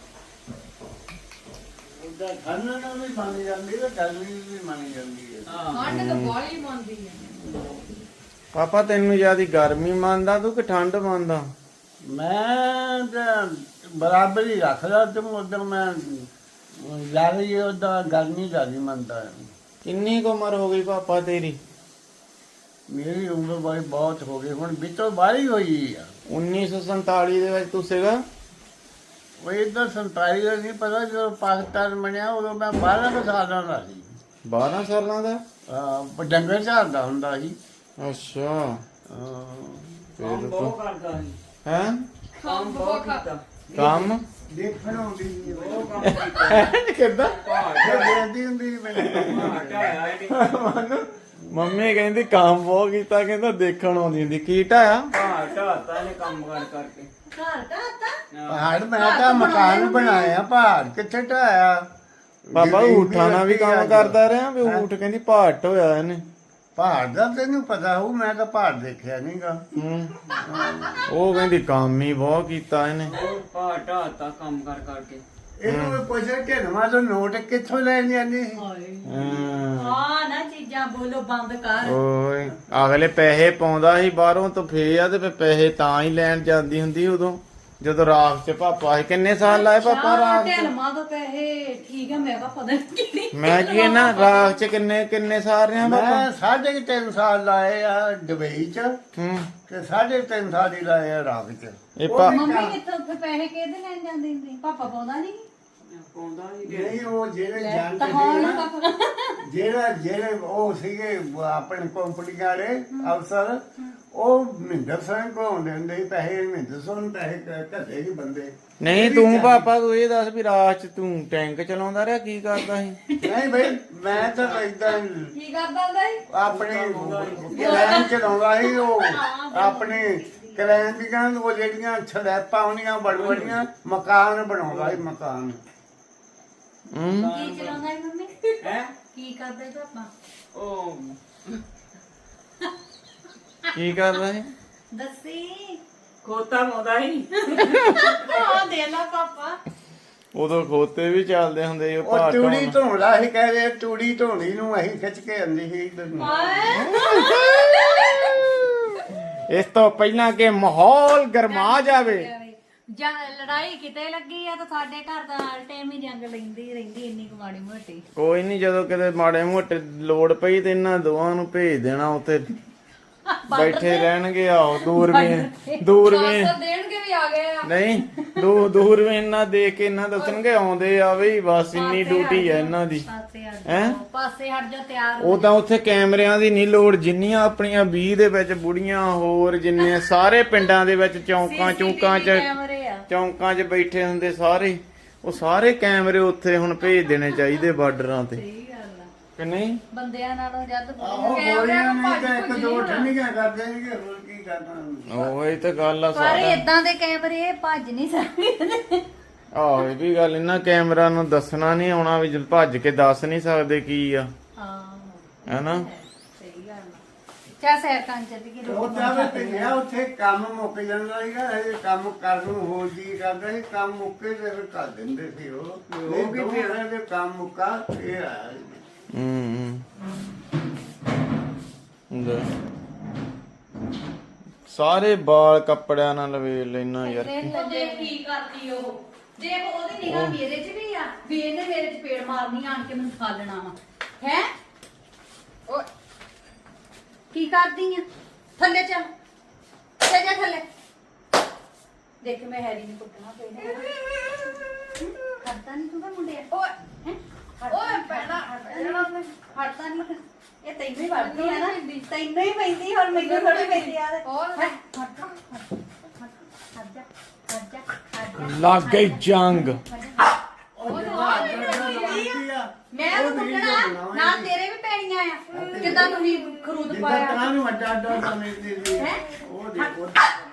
[SPEAKER 3] ਉਹਦਾ ਠੰਡ ਨਾਲ ਵੀ ਮੰਨ ਜਾਂਦੀ ਤੇ ਗਰਮੀ ਵੀ ਮੰਨ ਜਾਂਦੀ ਹੈ
[SPEAKER 2] ਠੰਡ ਤਾਂ ਬਾਹਲੀ ਮੰਨਦੀ ਹੈ।
[SPEAKER 4] ਪਾਪਾ ਤੈਨੂੰ ਜਿਆਦੀ ਗਰਮੀ ਮੰਨਦਾ ਤੂੰ ਕਿ ਠੰਡ ਮੰਨਦਾ।
[SPEAKER 3] ਮੈਂ ਤਾਂ ਬਰਾਬਰ ਹੀ ਰੱਖਦਾ ਤੇ ਉਧਰ ਮੈਂ ਜ਼ਿਆਦਾ ਹੀ ਉਹਦਾ ਗਰਮੀ ਜ਼ਿਆਦਾ ਮੰਨਦਾ ਹੈ।
[SPEAKER 4] ਕਿੰਨੀ ਕੁ ਉਮਰ ਹੋ ਗਈ ਪਾਪਾ ਤੇਰੀ।
[SPEAKER 3] ਮੇਰੀ ਉਮਰ ਬੜੀ ਬਹੁਤ ਹੋ ਗਈ ਹੁਣ ਵਿੱਚੋਂ ਬਾਹਰੀ ਹੋਈ ਆ।
[SPEAKER 4] ਉੱਨੀ ਸੌ ਸੰਤਾਲੀ ਦੇ ਵਿੱਚ ਤੂੰ ਸੀਗਾ।
[SPEAKER 3] ਉਹ ਇੱਧਰ ਸੰਤਾਲੀ ਦਾ ਨਹੀਂ ਪਤਾ ਜਦੋਂ ਪਾਕਿਸਤਾਨ ਬਣਿਆ ਉਦੋਂ ਮੈਂ ਬਾਰਾਂ ਕੁ ਸਾਲਾਂ ਦਾ ਸੀ।
[SPEAKER 4] ਬਾਰਾਂ ਸਾਲਾਂ ਦਾ।
[SPEAKER 3] ਆਹ ਡੰਗਰ ਝਾੜਦਾ ਹੁੰਦਾ ਸੀ।
[SPEAKER 4] ਅੱਛਾ
[SPEAKER 3] ਹਾਂ।
[SPEAKER 4] ਫੇਰ
[SPEAKER 5] ਬਹੁਤ ਕਰਦਾ ਸੀ
[SPEAKER 4] ਹੈ
[SPEAKER 5] ਕੰਮ ਬਹੁਤ ਕੀਤਾ।
[SPEAKER 4] ਕੰਮ
[SPEAKER 3] ਦੇਖਣ ਆਉਂਦੀ ਸੀ
[SPEAKER 5] ਬਹੁਤ ਕੰਮ ਕੀਤਾ।
[SPEAKER 4] ਕਿੱਦਾਂ
[SPEAKER 3] ਦੇਖਦੀ ਹੁੰਦੀ ਸੀ ਮੈਨੂੰ।
[SPEAKER 5] ਢਾਇਆ ਇਹਨੇ
[SPEAKER 4] ਮੰਮੀ ਕਹਿੰਦੀ ਕੰਮ ਬਹੁਤ ਕੀਤਾ ਕਹਿੰਦਾ ਦੇਖਣ ਆਉਂਦੀ ਹੁੰਦੀ ਕੀ ਢਾਇਆ।
[SPEAKER 5] ਭਾਰ ਢਾਤਾ ਇਹਨੇ ਕੰਮ ਕਰ ਕਰਕੇ।
[SPEAKER 1] ਘਰ ਢਾਤਾ
[SPEAKER 3] ਪਹਾੜ ਮੈਂ ਤਾਂ ਮਕਾਨ ਬਣਾਇਆ ਪਹਾੜ ਕਿੱਥੇ ਢਾਇਆ।
[SPEAKER 4] ਪਾਪਾ ਊਠਾਂ ਨਾਲ ਵੀ ਕੰਮ ਕਰਦਾ ਰਿਹਾ ਵੀ ਊਠ ਕਹਿੰਦੀ ਭਾਟ ਹੋਇਆ ਇਹਨੇ।
[SPEAKER 3] ਪਹਾੜ ਦਾ ਤੈਨੂੰ ਪਤਾ ਹੋਊ ਮੈਂ ਤਾਂ ਪਹਾੜ ਦੇਖਿਆ ਨਹੀਂਗਾ।
[SPEAKER 4] ਹੂੰ ਉਹ ਕਹਿੰਦੀ ਕੰਮ ਹੀ ਬਹੁਤ ਕੀਤਾ ਇਹਨੇ।
[SPEAKER 5] ਉਹ ਭਾਰ ਢਾਤਾ ਕੰਮ ਕਰ ਕਰਕੇ।
[SPEAKER 3] ਇਹਨੂੰ ਮੈਂ ਪੁੱਛਿਆ ਕਿ ਨਵਾਂ ਤੋਂ ਨੋਟ ਕਿੱਥੋਂ ਲੈ ਜਾਂਦੀ ਸੀ।
[SPEAKER 4] ਹੂੰ
[SPEAKER 1] ਹਾਂ ਨਾ ਚੀਜ਼ਾਂ ਬੋਲੋ ਬੰਦ ਕਰ।
[SPEAKER 4] ਓਏ ਅਗਲੇ ਪੈਸੇ ਪਾਉਂਦਾ ਸੀ ਬਾਹਰੋਂ ਤੋਂ ਫੇਰ ਆ ਤੇ ਫਿਰ ਪੈਸੇ ਤਾਂ ਹੀ ਲੈਣ ਜਾਂਦੀ ਹੁੰਦੀ ਉਦੋਂ ਜਦੋਂ ਰਾਖ ਚ ਪਾਪਾ ਸੀ। ਕਿੰਨੇ ਸਾਲ ਲਾਏ ਪਾਪਾ ਰਾਖ ਚ।
[SPEAKER 1] ਢਲਮਾ ਤੋਂ ਪੈਸੇ ਠੀਕ ਆ ਮੈਂ ਕਿਹਾ ਪਤਾ ਨਹੀਂ ਕਿਹੜੀ
[SPEAKER 4] ਮੈਂ ਕੀ ਨਾ ਰਾਖ ਚ ਕਿੰਨੇ ਕਿੰਨੇ ਸਾਲ ਰਿਹਾ ਪਾਪਾ।
[SPEAKER 3] ਮੈਂ ਸਾਢੇ ਕੁ ਤਿੰਨ ਸਾਲ ਲਾਏ ਆ ਦੁਬਈ ਚ
[SPEAKER 4] ਹੂੰ
[SPEAKER 3] ਤੇ ਸਾਢੇ ਤਿੰਨ ਸਾਲ ਹੀ ਲਾਏ ਆ ਰਾਗ ਚ।
[SPEAKER 4] ਇਹ ਪਾ
[SPEAKER 1] ਮੰਮੀ ਕਿੱਥੋਂ ਫਿਰ ਪੈਸੇ ਕਿਹਦੇ ਲੈਣ ਜਾਂਦੀ ਹੁੰਦੀ ਪਾਪਾ ਪਾਉਂਦਾ ਨਹੀਂ।
[SPEAKER 5] ਪਾਉਂਦਾ ਨਹੀਂ
[SPEAKER 3] ਨਹੀਂ ਉਹ ਜਿਹੜੇ ਜਾਣ ਕੇ ਨਾ ਜਿਹੜਾ ਜਿਹੜੇ ਉਹ ਸੀਗੇ ਆਪਣੇ ਕੰਪਨੀ ਵਾਲੇ ਅਫਸਰ ਉਹ ਮਹਿੰਦਰ ਸਿੰਘ ਕੋਲ ਆਉਂਦੇ ਹੁੰਦੇ ਸੀ ਪੈਸੇ ਮਹਿੰਦਰ ਸਿੰਘ ਨੂੰ ਪੈਸੇ ਘੱਲੇ ਸੀ ਬੰਦੇ
[SPEAKER 4] ਨਹੀਂ ਤੂੰ ਪਾਪਾ ਤੂੰ ਇਹ ਦੱਸ ਵੀ ਰਾਤ ਚ ਤੂੰ ਟੈਂਕ ਚਲਾਉਂਦਾ ਰਿਹਾ ਕੀ ਕਰਦਾ ਸੀ
[SPEAKER 3] ਨਹੀਂ ਬਈ ਮੈਂ ਤਾਂ ਏਦਾਂ
[SPEAKER 2] ਕੀ ਕਰਦਾ ਹੁੰਦਾ ਸੀ
[SPEAKER 3] ਆਪਣੇ ਕਲੈਨ ਚਲਾਉਂਦਾ ਸੀ ਉਹ ਆਪਣੇ ਕਲੈਨ ਦੀਆਂ ਉਹ ਜਿਹੜੀਆਂ ਛੜੈਪਾਂ ਹੁੰਦੀਆਂ ਬੜ ਬੜੀਆਂ ਮਕਾਨ ਬਣਾਉਂਦਾ ਸੀ ਮਕਾਨ
[SPEAKER 4] ਹੂੰ
[SPEAKER 1] ਕੀ ਚਲਾਉਂਦਾ ਹੈ ਮੰਮੀ
[SPEAKER 5] ਹੈ
[SPEAKER 1] ਕੀ ਕਰਦੇ ਪਾਪਾ
[SPEAKER 5] ਉਹ
[SPEAKER 4] ਕੀ ਕਰਦਾ ਸੀ
[SPEAKER 1] ਦੱਸੀ
[SPEAKER 5] ਖੋਤਾ ਪਾਉਂਦਾ ਸੀ
[SPEAKER 1] ਆ ਦੇ ਲਾ ਪਾਪਾ
[SPEAKER 4] ਉਦੋਂ ਖੋਤੇ ਵੀ ਚੱਲਦੇ ਹੁੰਦੇ ਸੀ ਉਹ
[SPEAKER 3] ਉਹ
[SPEAKER 4] ਭਾਰ
[SPEAKER 3] ਤੂੜੀ
[SPEAKER 4] ਢੋਣ।
[SPEAKER 3] ਧੋਂਦਾ ਸੀ ਕਹਿੰਦੇ ਤੂੜੀ ਧੋਣੀ ਨੂੰ ਅਸੀਂ ਖਿੱਚ ਕੇ ਆਂਦੀ ਸੀ ਇੱਧਰ ਨੂੰ
[SPEAKER 4] ਇਸ ਤੋਂ ਪਹਿਲਾਂ ਕਿ ਮਾਹੌਲ ਗਰਮਾ ਜਾਵੇ
[SPEAKER 1] ਜਾਂ ਲੜਾਈ ਕਿਤੇ ਲੱਗੀ ਆ ਤਾਂ ਸਾਡੇ ਘਰ ਦਾ ਹਰ ਟਾਈਮ ਹੀ ਜੰਗ ਲੈਂਦੀ ਰਹਿੰਦੀ ਇੰਨੀ ਕੁ ਮਾੜੀ ਮੋਟੀ
[SPEAKER 4] ਕੋਈ ਨਹੀਂ ਜਦੋਂ ਕਿਤੇ ਮਾੜੇ ਮੋਟੇ ਲੋੜ ਪਈ ਤੇ ਇਹਨਾਂ ਦੋਵਾਂ ਨੂੰ ਭੇਜ ਦੇਣਾ ਉੱਥੇ ਬੈਠੇ ਰਹਿਣਗੇ ਆਓ ਦੂਰਬੀਨ ਦੂਰਬੀਨ
[SPEAKER 2] ਦੇਣਗੇ ਵੀ ਆ ਗਏ ਆ
[SPEAKER 4] ਨਹੀਂ ਦੂ ਦੂਰਬੀਨ ਨਾ ਦੇਖ ਕੇ ਇਹਨਾਂ ਦੱਸਣਗੇ ਆਉਂਦੇ ਆ ਬਈ ਬਸ ਇੰਨੀ ਡਿਊਟੀ ਹੈ ਇਹਨਾਂ ਦੀ
[SPEAKER 1] ਪਾਸੇ ਹਟ
[SPEAKER 4] ਹੈਂ?
[SPEAKER 1] ਜਾਓ ਪਾਸੇ ਹਟ ਜਾ ਤਿਆਰ
[SPEAKER 4] ਉਹ ਤਾਂ ਉੱਥੇ ਕੈਮਰਿਆਂ ਦੀ ਨਹੀਂ ਲੋੜ ਜਿੰਨੀਆਂ ਆਪਣੀਆਂ ਵੀਹ ਦੇ ਵਿੱਚ ਬੁੜੀਆਂ ਹੋਰ ਜਿੰਨੇ ਸਾਰੇ ਪਿੰਡਾਂ ਦੇ ਵਿੱਚ ਚੌਂਕਾਂ ਚੌਂਕਾਂ 'ਚ
[SPEAKER 1] ਕੈਮਰੇ ਆ
[SPEAKER 4] ਚੌਂਕਾਂ 'ਚ ਬੈਠੇ ਹੁੰਦੇ ਸਾਰੇ ਉਹ ਸਾਰੇ ਕੈਮਰੇ ਉੱਥੇ ਹੁਣ ਭੇਜ ਦੇਣੇ ਚਾਹੀਦੇ ਬਾਰਡਰਾਂ ਤੇ
[SPEAKER 1] ਸਹੀ ਗੱਲ ਆ
[SPEAKER 4] ਕਿ ਨਹੀਂ
[SPEAKER 1] ਬੰਦਿਆਂ ਨਾਲੋਂ ਜਦ
[SPEAKER 3] ਆਹੋ ਗੋਲੀਆਂ ਨਹੀਂ ਤਾਂ ਇੱਕ ਦੋ ਠੰਡੀਆਂ ਕਰਦੇ ਨਹੀਂ ਹੋਰ ਕੀ ਕਰਨਾ
[SPEAKER 4] ਉਹ ਇਹ ਤਾਂ ਗੱਲ ਆ
[SPEAKER 1] ਪਰ
[SPEAKER 4] ਸਾਰਾ
[SPEAKER 1] ਇਦਾਂ ਦੇ ਕੈਮਰੇ ਭੱਜ ਨਹੀਂ ਸਕਦੇ
[SPEAKER 4] ਆਹੋ ਇਹ ਵੀ ਗੱਲ ਇਹਨਾਂ ਕੈਮਰਾ ਨੂੰ ਦੱਸਣਾ ਨਹੀਂ ਆਉਣਾ ਵੀ ਜਦ ਭੱਜ ਕੇ ਦੱਸ ਨਹੀਂ ਸਕਦੇ ਕੀ ਆ
[SPEAKER 1] ਹਾਂ
[SPEAKER 4] ਹੈਨਾ
[SPEAKER 1] ਸਹੀ ਗੱਲ ਆ ਚਾ ਸੈਰ ਕਰਨ ਚੱਲੀ ਕਿ
[SPEAKER 3] ਉਹ ਤਾਂ ਵੀ ਪਿਆ ਉੱਥੇ ਕੰਮ ਮੁੱਕ ਜਾਂਦਾ ਸੀਗਾ ਇਹ ਕੰਮ ਕਰਨ ਨੂੰ ਹੋ ਜੀ ਕਰਦਾ ਸੀ ਕੰਮ ਮੁੱਕੇ ਤੇ ਫਿਰ ਕਰ ਦਿੰਦੇ ਸੀ ਉਹ ਉਹ ਵੀ ਫਿਰ ਇਹਦੇ ਕੰਮ ਮੁੱਕਾ ਇਹ ਆਇਆ
[SPEAKER 4] ਹੂੰ ਹੂੰ ਸਾਰੇ ਵਾਲ ਕੱਪੜਿਆਂ ਨਾਲ ਲਵੇਟ ਲੈਣਾ ਯਾਰ
[SPEAKER 1] ਦੇਖ ਕੀ ਕਰਦੀ ਉਹ ਦੇਖ ਉਹਦੀ ਨਿਗਾਹ ਮੇਰੇ 'ਚ ਵੀ ਆ ਵੀ ਇਹਨੇ ਮੇਰੇ 'ਚ ਪੇੜ ਮਾਰਨੀ ਆਣ ਕੇ ਮੈਨੂੰ ਖਾ ਲੈਣਾ ਵਾ ਹੈ ਓਏ ਕੀ ਕਰਦੀ ਆ ਥੱਲੇ ਚੱਲ ਚੱਲ ਜਾ ਥੱਲੇ ਦੇਖ ਮੈਂ ਹੈਰੀ ਨੂੰ ਕੁੱਟਣਾ ਪੈਣਾ ਕਰਦਾ ਨਹੀਂ ਤੂੰ ਤਾਂ ਮੁੰਡੇ ਓਏ ਹੈਂ?
[SPEAKER 2] ਓਏ ਪੈਣਾ
[SPEAKER 1] ਹਟਦਾ ਨਹੀਂ ਇਹ ਤੈਨੂੰ ਹੀ ਵੜਦੀ ਆ ਨਾ ਤੈਨੂੰ ਹੀ ਪੈਂਦੀ ਹੁਣ ਮੈਨੂੰ ਥੋੜੀ ਪੈਂਦੀ ਆ
[SPEAKER 2] ਹੋਰ
[SPEAKER 1] ਹਟ ਜਾ ਹਟ ਜਾ ਹਟ ਜਾ ਹਟ ਜਾ
[SPEAKER 4] ਲੱਗ ਗਈ ਜੰਗ
[SPEAKER 1] ਮੈਂ ਉਹ ਕੁੱਟਣਾ ਨਾਲ ਤੇਰੇ ਵੀ ਪੈਣੀਆਂ ਆ ਕਿਦਾਂ ਤੁਸੀਂ ਖਰੂਦ
[SPEAKER 3] ਜਿੱਦਾਂ
[SPEAKER 1] ਪਾਇਆ
[SPEAKER 3] ਤਾਂ ਨੂੰ ਅੱਡਾ ਅੱਡਾ ਸਮਝਦੇ ਸੀ ਉਹ ਦੇਖੋ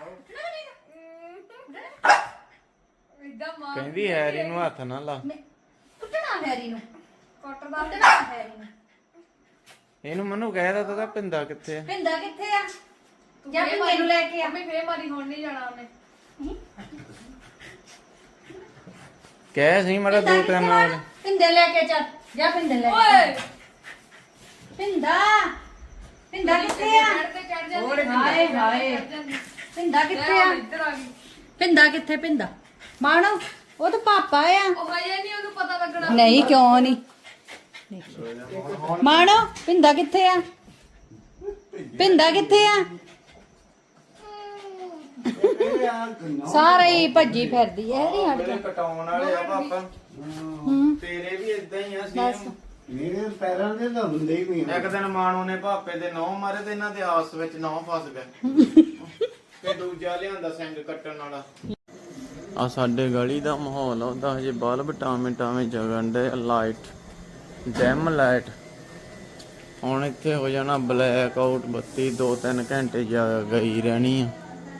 [SPEAKER 2] ਇਦਾਂ ਮਾਰ
[SPEAKER 4] ਕਹਿੰਦੀ ਹੈਰੀ ਨੂੰ ਹੱਥ ਨਾ ਲਾ
[SPEAKER 1] ਮੈਂ ਕੁੱਟਣਾ ਹੈਰੀ ਨੂੰ
[SPEAKER 2] ਕੱਟਦਾ
[SPEAKER 1] ਕੁੱਟਣਾ ਹੈਰੀ ਨੂੰ
[SPEAKER 4] ਇਹਨੂੰ ਮਨੂੰ ਕਹਿ ਤਾ ਤਾ ਪਿੰਦਾ ਕਿੱਥੇ ਆ
[SPEAKER 1] ਪਿੰਦਾ ਕਿੱਥੇ ਆ ਜਾਂ ਪਿੰਦੇ ਨੂੰ ਲੈ ਕੇ ਆ
[SPEAKER 2] ਮੰਮੀ ਫੇਰ ਮਾਰੀ ਹੁਣ ਨਹੀਂ ਜਾਣਾ ਉਹਨੇ
[SPEAKER 4] ਕਹਿ ਸੀ ਮੜਾ ਦੋ ਤਿੰਨ ਨਾਲ
[SPEAKER 1] ਪਿੰਦੇ ਲੈ ਕੇ ਚੱਲ ਜਾ ਪਿੰਦੇ ਲੈ ਕੇ
[SPEAKER 2] ਓਏ
[SPEAKER 1] ਪਿੰਦਾ ਪਿੰਦਾ ਕਿੱਥੇ ਆ
[SPEAKER 2] ਚੜ ਤੇ ਚੜ ਜਾਂਦੀ
[SPEAKER 1] ਹਾਏ ਹਾਏ ਪਿੰਦਾ ਕਿੱਥੇ ਆ
[SPEAKER 2] ਇੱਧਰ ਆ ਗਈ
[SPEAKER 1] ਪਿੰਦਾ ਕਿੱਥੇ ਪਿੰਦਾ ਮਾਣੋ ਉਹ ਤਾਂ ਪਾਪਾ ਆ
[SPEAKER 2] ਉਹ ਹਜੇ ਨਹੀਂ ਉਹਨੂੰ ਪਤਾ ਲੱਗਣਾ
[SPEAKER 1] ਨਹੀਂ ਕਿਉਂ ਨਹੀਂ ਮਾਣੋ ਪਿੰਦਾ ਕਿੱਥੇ ਆ ਪਿੰਦਾ ਕਿੱਥੇ ਆ ਸਾਰੇ ਹੀ ਭੱਜੀ ਫਿਰਦੀ ਐ ਨਹੀਂ ਹਟ ਜਾ
[SPEAKER 4] ਕਟਾਉਣ ਵਾਲੇ ਆ ਪਾਪਾ
[SPEAKER 1] ਹੂੰ
[SPEAKER 4] ਤੇਰੇ ਵੀ ਇਦਾਂ ਹੀ ਆ ਸੇਮ
[SPEAKER 3] ਮੇਰੇ ਪੈਰਾਂ ਦੇ ਤਾਂ ਹੁੰਦੇ ਹੀ ਨਹੀਂ
[SPEAKER 4] ਇੱਕ ਦਿਨ ਮਾਣੋ ਨੇ ਭਾਪੇ ਦੇ ਨੌ ਮਾਰੇ ਤੇ ਇਹਨਾਂ ਦੇ ਆਸ ਵਿੱਚ ਨੌ ਫਸ ਗਏ ਤੇ ਦੂਜਾ ਲਿਆਂਦਾ ਸਿੰਘ ਕੱਟਣ ਵਾਲਾ ਆ ਸਾਡੇ ਗਲੀ ਦਾ ਮਾਹੌਲ ਉਹਦਾ ਹਜੇ ਬਲਬ ਟਾਵੇਂ ਟਾਵੇਂ ਜਗਣ ਦੇ ਲਾਈਟ ਡੈਮ ਲਾਈਟ ਹੁਣ ਇੱਥੇ ਹੋ ਜਾਣਾ ਬਲੈਕ ਆਊਟ ਬੱਤੀ ਦੋ ਤਿੰਨ ਘੰਟੇ ਜਾ ਗਈ ਰਹਿਣੀ ਆ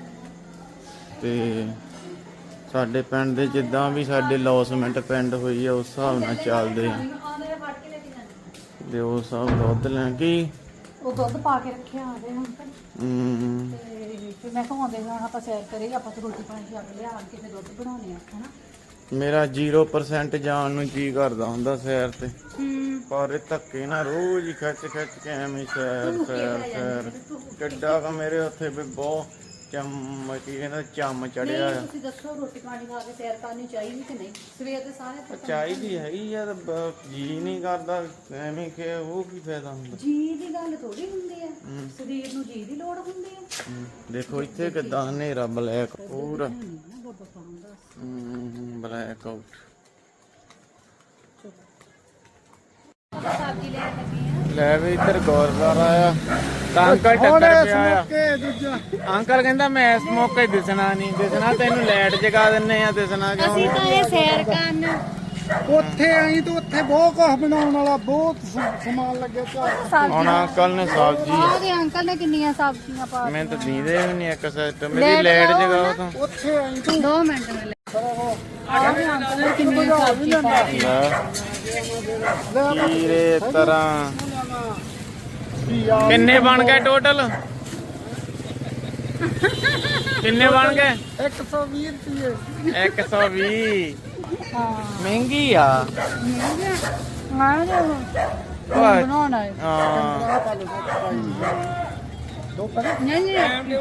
[SPEAKER 4] ਤੇ ਸਾਡੇ ਪਿੰਡ ਦੇ ਜਿੱਦਾਂ ਵੀ ਸਾਡੇ ਲੌਸਮੈਂਟ ਪਿੰਡ ਹੋਈ ਆ ਉਸ ਹਿਸਾਬ ਨਾਲ ਚੱਲਦੇ ਆ ਤੇ ਉਹ ਸਭ ਦੁੱਧ ਲੈ ਕੇ
[SPEAKER 1] ਉਹ ਦੁੱਧ ਪਾ ਕੇ ਰੱਖਿਆ ਆ ਗਏ ਹੁਣ ਤਾਂ
[SPEAKER 4] ਹਮ,
[SPEAKER 1] ਤੇ ਫਿਰ ਮੈਂ ਕਹਾਉਂਦੇ ਹੁਣ ਆਪਾਂ ਸੈਰ ਕਰੇ ਆਪਾਂ ਤਾਂ ਰੋਟੀ ਪਾਣੀ ਛੱਡ ਲਿਆ ਆਣ ਕੇ ਫਿਰ ਦੁੱਧ ਬਣਾਉਣੇ ਆ ਹਨਾ
[SPEAKER 4] ਮੇਰਾ ਜ਼ੀਰੋ ਪਰਸੈਂਟ ਜਾਣ ਨੂੰ ਜੀ ਕਰਦਾ ਹੁੰਦਾ ਸੈਰ ਤੇ
[SPEAKER 1] ਹੂੰ
[SPEAKER 4] ਪਰ ਇਹ ਧੱਕੇ ਨਾ ਰੋਜ਼ ਹੀ ਖਿੱਚ ਖਿੱਚ ਕੇ ਐਵੇਂ ਸੈਰ ਸੈਰ ਸੈਰ ਕਿੱਡਾ ਕ ਮੇਰੇ ਉੱਥੇ ਵੀ ਬਹੁਤ ਚੰਮ ਕੀ ਕਹਿੰਦਾ ਚੰਮ ਚੜਿਆ ਆ
[SPEAKER 1] ਤੁਸੀਂ ਦੱਸੋ ਰੋਟੀ ਪਾਣੀ ਖਾ ਕੇ ਸੈਰ ਕਰਨੀ ਚਾਹੀਦੀ ਕਿ ਨਹੀਂ ਸਵੇਰ ਦੇ ਸਾਰੇ ਥੱਕ-
[SPEAKER 4] ਚਾਹੀਦੀ ਹੈਗੀ ਆ ਤਾਂ ਜੀ ਨਹੀਂ ਕਰਦਾ ਐਵੇਂ ਕਿ ਉਹ ਕੀ ਫਾਇਦਾ ਹੁੰਦਾ
[SPEAKER 1] ਜੀ ਦੀ ਗੱਲ ਥੋੜੀ ਹੁੰਦੀ ਆ ਸਰੀਰ ਨੂੰ ਜੀ ਦੀ ਲੋੜ ਹੁੰਦੀ ਆ
[SPEAKER 4] ਹਮ, ਦੇਖੋ ਇੱਥੇ ਕਿਦਾਂ ਹਨੇਰਾ ਬਲੈਕ ਪੂਰਾ
[SPEAKER 1] ਬਾਬਾ ਪਾਉਂਦਾ
[SPEAKER 4] ਬਲੈਕ ਆਊਟ ਲੈ ਵੀ ਇੱਧਰ ਗੁਰਦੁਆਰਾ ਆ ਤਾਂ ਅੰਕਲ ਟੱਕਰ ਪਿਆ ਆ ਅੰਕਲ ਕਹਿੰਦਾ ਮੈਂ ਇਸ ਮੌਕੇ ਦਿਸਣਾ ਨਹੀਂ ਦਿਸਣਾ ਤੈਨੂੰ ਲਾਈਟ ਜਗਾ ਦਿੰਨੇ ਆ ਦਿਸਣਾ ਕਿਉਂ
[SPEAKER 1] ਅਸੀਂ ਤਾਂ ਇਹ ਸੈਰ ਕਰਨ
[SPEAKER 6] ਉੱਥੇ ਆਈ ਤਾਂ ਉੱਥੇ ਬਹੁਤ ਕੁਝ ਬਣਾਉਣ ਵਾਲਾ ਬਹੁਤ ਸ- ਸਮਾਨ ਲੱਗਿਆ ਚਾਹ
[SPEAKER 4] ਹੁਣ ਅੰਕਲ ਨੇ ਸਬਜ਼ੀ
[SPEAKER 1] ਉਹਦੇ ਅੰਕਲ ਨੇ ਕਿੰਨੀਆਂ ਸਬਜ਼ੀਆਂ ਪਾ
[SPEAKER 4] ਮੈਂ ਤਾਂ ਦੀਦੇ ਵੀ ਨਹੀਂ ਇੱਕ ਸਿਸਟਮ ਮੇਰੀ ਲਾਈਟ ਜਗਾਓ ਤਾਂ
[SPEAKER 6] ਉੱਥੇ ਆਈ ਤੂੰ
[SPEAKER 1] ਦੋ ਮਿੰਟ ਮਿਲੇ ਆਹ ਅੰਕਲ ਨੇ ਕਿੰਨੀਆਂ ਸਬਜ਼ੀਆਂ ਪਾ
[SPEAKER 4] ਲੈ ਕੀਰੇ ਤਰ੍ਹਾਂ ਕਿੰਨੇ ਬਣ ਗਏ ਟੋਟਲ ਕਿੰਨੇ ਬਣ ਗਏ
[SPEAKER 6] ਇੱਕ ਸੌ ਵੀਹ ਰੁਪਏ
[SPEAKER 4] ਇੱਕ ਸੌ ਵੀਹ
[SPEAKER 1] ਹਾਂ
[SPEAKER 4] ਮਹਿੰਗੀ ਆ
[SPEAKER 1] ਮੈਂ ਜੇ
[SPEAKER 4] ਓਏ,
[SPEAKER 1] ਬਣਾਉਣਾ ਹੈ
[SPEAKER 4] ਹਾਂ
[SPEAKER 6] ਦੋ ਕਰੇ
[SPEAKER 1] ਨਹੀਂ ਨਹੀਂ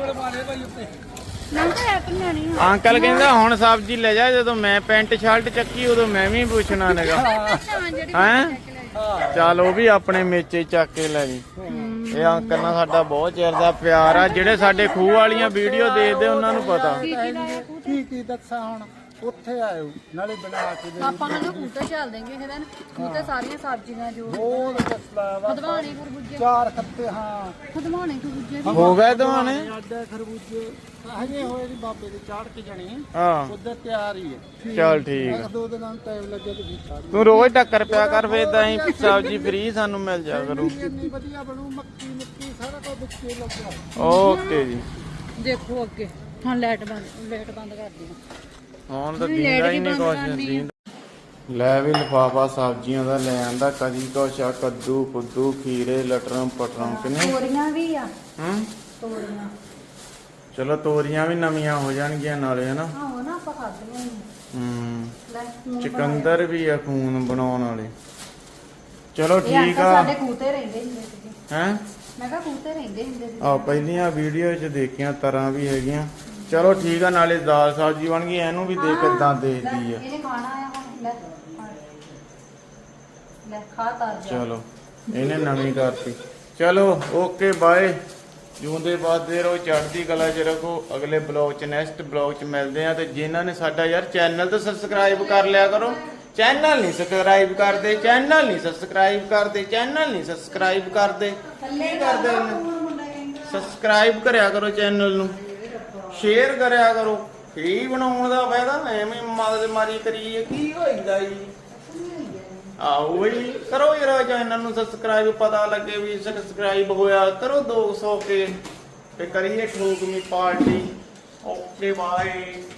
[SPEAKER 1] ਨਾ ਤਾਂ ਇੱਕ ਨਹੀਂ
[SPEAKER 4] ਅੰਕਲ ਕਹਿੰਦਾ ਹੁਣ ਸਬਜ਼ੀ ਲੈ ਜਾ ਜਦੋਂ ਮੈਂ ਪੈਂਟ ਸ਼ਰਟ ਚੱਕੀ ਉਦੋਂ ਮੈਂ ਵੀ ਪੁੱਛਣਾ ਨੇਗਾ ਹੈਂ ਚੱਲ ਉਹ ਵੀ ਆਪਣੇ ਮੇਚੇ ਚੱਕ ਕੇ ਲੈ ਗਈ ਇਹ ਅੰਕਲ ਨਾਲ ਸਾਡਾ ਬਹੁਤ ਚਿਰ ਦਾ ਪਿਆਰ ਆ ਜਿਹੜੇ ਸਾਡੇ ਖੂਹ ਵਾਲੀਆਂ ਵੀਡੀਓ ਦੇਖਦੇ ਉਹਨਾਂ ਨੂੰ ਪਤਾ
[SPEAKER 6] ਕੀ ਕੀ ਦੱਸਾਂ ਹੁਣ ਉੱਥੇ ਆਇਓ ਨਾਲੇ ਬਣਾ ਕੇ ਦੇ
[SPEAKER 1] ਆਪਾਂ ਨੂੰ ਕੂਟੇ ਚੱਲ ਦੇਂਗੇ ਇਹਦੇ ਨਾਲ ਕੂਟੇ ਸਾਰੀਆਂ ਸਬਜ਼ੀਆਂ ਜੋ
[SPEAKER 6] ਬਹੁਤ ਦੱਸਲਾ ਵਾ
[SPEAKER 1] ਖਦਵਾਣੇ ਖਰਬੂਜੇ
[SPEAKER 6] ਚਾਰ ਖੱਤੇ ਹਾਂ
[SPEAKER 1] ਖਦਵਾਣੇ ਖਰਬੂਜੇ
[SPEAKER 4] ਹੋ ਗਏ ਦੋਵਾਂ
[SPEAKER 6] ਆਡਾ ਖਰਬੂਜੇ ਹਜੇ ਹੋਏ ਜੀ ਬਾਬੇ ਦੇ ਚਾੜ ਕੇ ਜਾਣੇ
[SPEAKER 4] ਹਾਂ
[SPEAKER 6] ਉਧਰ ਤਿਆਰ ਹੀ ਹੈ
[SPEAKER 4] ਚੱਲ ਠੀਕ
[SPEAKER 6] ਇੱਕ ਦੋ ਦਿਨਾਂ ਨੂੰ ਟਾਈਮ ਲੱਗਿਆ ਤੇ ਵੀ ਚਾੜ
[SPEAKER 4] ਤੂੰ ਰੋਜ਼ ਟੱਕਰ ਪਿਆ ਕਰ ਫੇਰ ਤਾਂ ਹੀ ਸਬਜ਼ੀ ਫ੍ਰੀ ਸਾਨੂੰ ਮਿਲ ਜਾ ਕਰੂ
[SPEAKER 6] ਇੰਨੀ ਵਧੀਆ ਬਣੂ ਮੱਕੀ ਮੁੱਕੀ ਸਾਰਾ ਕੁਝ ਵਿੱਚੇ ਲੱਗਿਆ
[SPEAKER 4] ਓਕੇ ਜੀ
[SPEAKER 1] ਦੇਖੋ ਅੱਗੇ ਹੁਣ ਲਾਈਟ ਬੰਦ ਲਾਈਟ ਬੰਦ ਕਰ ਦਿਓ
[SPEAKER 4] ਹੁਣ ਤਾਂ ਦੀਂਦਾ ਹੀ ਨਹੀਂ ਕੁਛ ਦੀਂਦਾ ਲੈ ਵੀ ਲਿਫਾਫਾ ਸਬਜ਼ੀਆਂ ਦਾ ਲੈ ਆਂਦਾ ਕਦੀ ਕੁਛ ਆ ਕੱਦੂ ਕੁੱਦੂ ਖੀਰੇ ਲਟਰਮ ਪਟਰਮ ਕਿਨੇ
[SPEAKER 1] ਤੋਰੀਆਂ ਵੀ ਆ
[SPEAKER 4] ਹੂੰ
[SPEAKER 1] ਤੋਰੀਆਂ
[SPEAKER 4] ਚਲੋ ਤੋਰੀਆਂ ਵੀ ਨਵੀਆਂ ਹੋ ਜਾਣਗੀਆਂ ਨਾਲੇ ਹਨਾ
[SPEAKER 1] ਆਹੋ ਨਾ ਆਪਾਂ ਖਾਧੀਆਂ
[SPEAKER 4] ਹੂੰ
[SPEAKER 1] ਲੈ ਖੂਨ
[SPEAKER 4] ਚਿਕੰਦਰ ਵੀ ਆ ਖੂਨ ਬਣਾਉਣ ਵਾਲੇ ਚਲੋ
[SPEAKER 1] ਇਹ
[SPEAKER 4] ਠੀਕ
[SPEAKER 1] ਅੰਕਲ
[SPEAKER 4] ਆ
[SPEAKER 1] ਸਾਡੇ ਕੂਤੇ ਰਹਿੰਦੇ ਹੁੰਦੇ ਸੀਗੇ
[SPEAKER 4] ਹੈ
[SPEAKER 1] ਮੈਂ ਕਿਹਾ ਕੂਤੇ ਰਹਿੰਦੇ ਹੁੰਦੇ ਸੀ
[SPEAKER 4] ਆ ਪਹਿਲੀਆਂ ਵੀਡੀਓ 'ਚ ਦੇਖੀਆਂ ਤਰ੍ਹਾਂ ਵੀ ਹੈਗੀਆਂ ਚਲੋ ਠੀਕ ਆ ਨਾਲੇ ਦਾਲ ਸਬਜ਼ੀ ਬਣ ਗਈ ਇਹਨੂੰ ਵੀ ਦੇ ਕਿੱਦਾਂ ਦੇਖਦੀ ਆ
[SPEAKER 1] ਇਹਨੇ ਖਾਣਾ ਆ ਹੁਣ ਲੈ ਖਾ। ਲੈ ਖਾ ਤਾਰ ਜਾ
[SPEAKER 4] ਚਲੋ ਇਹਨੇ ਨਵੀਂ ਕਰਤੀ ਚਲੋ ਓਕੇ ਬਾਏ ਜਿਉਂਦੇ ਬਾਦੇ ਰਹੋ ਚੜ੍ਹਦੀ ਕਲਾ 'ਚ ਰੱਖੋ ਅਗਲੇ ਬਲੌਗ 'ਚ ਨੈਕਸਟ ਬਲੌਗ 'ਚ ਮਿਲਦੇ ਆ ਤੇ ਜਿਨ੍ਹਾਂ ਨੇ ਸਾਡਾ ਯਾਰ ਚੈਨਲ ਤਾਂ ਸਬਸਕ੍ਰਾਈਬ ਕਰ ਲਿਆ ਕਰੋ ਚੈਨਲ ਨਹੀਂ ਸਬਸਕ੍ਰਾਈਬ ਕਰਦੇ ਚੈਨਲ ਨਹੀਂ ਸਬਸਕ੍ਰਾਈਬ ਕਰਦੇ ਚੈਨਲ ਨਹੀਂ ਸਬਸਕ੍ਰਾਈਬ ਕਰਦੇ ਕੀ ਕਰਦੇ ਨੇ ਸਬਸਕ੍ਰਾਈਬ ਕਰਿਆ ਕਰੋ ਚੈਨਲ ਨੂੰ ਸ਼ੇਅਰ ਕਰਿਆ ਕਰੋ ਕੀ ਬਣਾਉਣ ਦਾ ਫਾਇਦਾ ਐਵੇਂ ਮਗਜ ਮਾਰੀ ਕਰੀਏ ਕੀ ਹੋਈਦਾ ਜੀ ਆਓ ਜੀ ਕਰੋ ਯਾਰ ਚੈਨਲ ਨੂੰ ਸਬਸਕ੍ਰਾਈਬ ਪਤਾ ਲੱਗੇ ਵੀ ਸਬਸਕ੍ਰਾਈਬ ਹੋਇਆ ਕਰੋ ਦੋ ਸੌ ਕੇ ਤੇ ਕਰੀਏ ਠੋਕਵੀਂ ਪਾਰਟੀ ਓਕੇ ਬਾਏ